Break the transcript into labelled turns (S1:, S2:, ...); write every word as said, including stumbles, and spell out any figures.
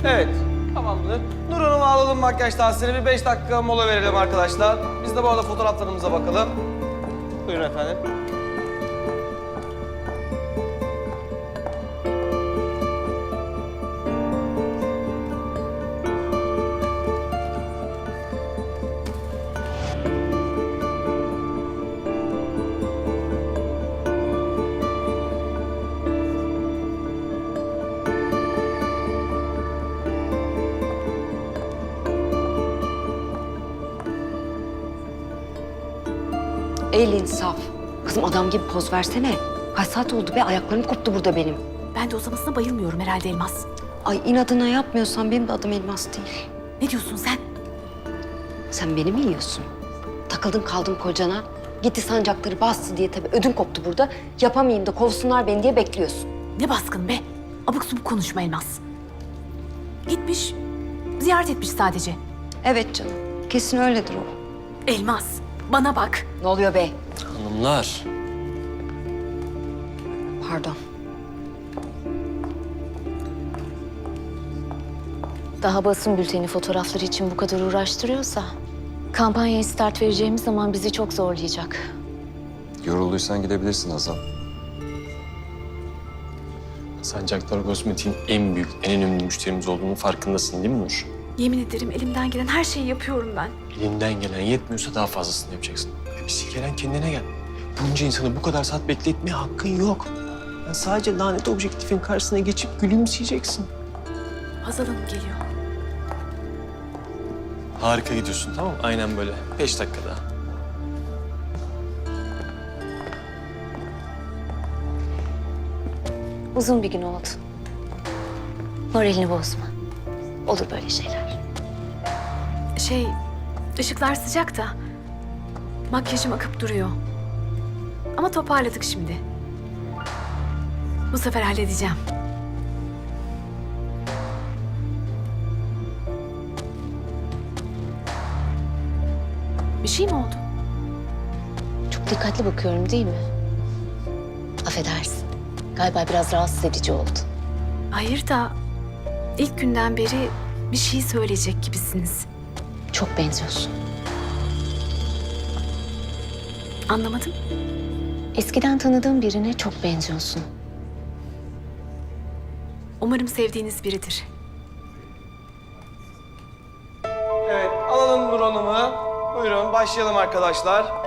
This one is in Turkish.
S1: Evet, tamamdır. Nur Hanım'ı alalım makyaj tahsili. Bir beş dakika mola verelim arkadaşlar. Biz de bu arada fotoğraflarımıza bakalım. Buyurun efendim.
S2: El insaf. Kızım adam gibi poz versene. Kaç saat oldu be? Ayaklarım koptu burada benim.
S3: Ben de uzamasına bayılmıyorum herhalde Elmas.
S2: Ay inadına yapmıyorsan benim de adım Elmas değil.
S3: Ne diyorsun sen?
S2: Sen beni mi yiyorsun? Takıldın kaldın kocana. Gitti sancakları bastı diye tabii ödün koptu burada. Yapamayayım da kovsunlar beni diye bekliyorsun.
S3: Ne baskın be? Abuk subuk konuşma Elmas. Gitmiş, ziyaret etmiş sadece.
S2: Evet canım. Kesin öyledir o.
S3: Elmas, bana bak.
S2: Ne oluyor be?
S1: Hanımlar.
S2: Pardon.
S4: Daha basın bülteni fotoğrafları için bu kadar uğraştırıyorsa... ...kampanyaya start vereceğimiz zaman bizi çok zorlayacak.
S5: Yorulduysan gidebilirsin Hazal.
S6: Sancaktar Kozmetik'in en büyük, en önemli müşterimiz olduğunun farkındasın değil mi Nur?
S3: Yemin ederim elimden gelen her şeyi yapıyorum ben.
S6: Elinden gelen yetmiyorsa daha fazlasını yapacaksın. Ya bir sikelen kendine gel. Bunca insanı bu kadar saat bekletmeye hakkın yok. Ya sadece lanet objektifin karşısına geçip gülümseyeceksin.
S3: Hazal Hanım geliyor.
S6: Harika gidiyorsun, tamam mı? Aynen böyle. Beş dakika daha.
S4: Uzun bir gün oldu. Moralini bozma. Olur böyle şeyler.
S3: Şey, ışıklar sıcak da makyajım akıp duruyor. Ama toparladık şimdi. Bu sefer halledeceğim. Bir şey mi oldu?
S4: Çok dikkatli bakıyorum değil mi? Affedersin. Galiba biraz rahatsız edici oldu.
S3: Hayır da ilk günden beri bir şey söyleyecek gibisiniz.
S4: Çok benziyorsun.
S3: Anlamadım.
S4: Eskiden tanıdığım birine çok benziyorsun.
S3: Umarım sevdiğiniz biridir.
S1: Evet, alalım Nur Hanım'ı. Buyurun, başlayalım arkadaşlar.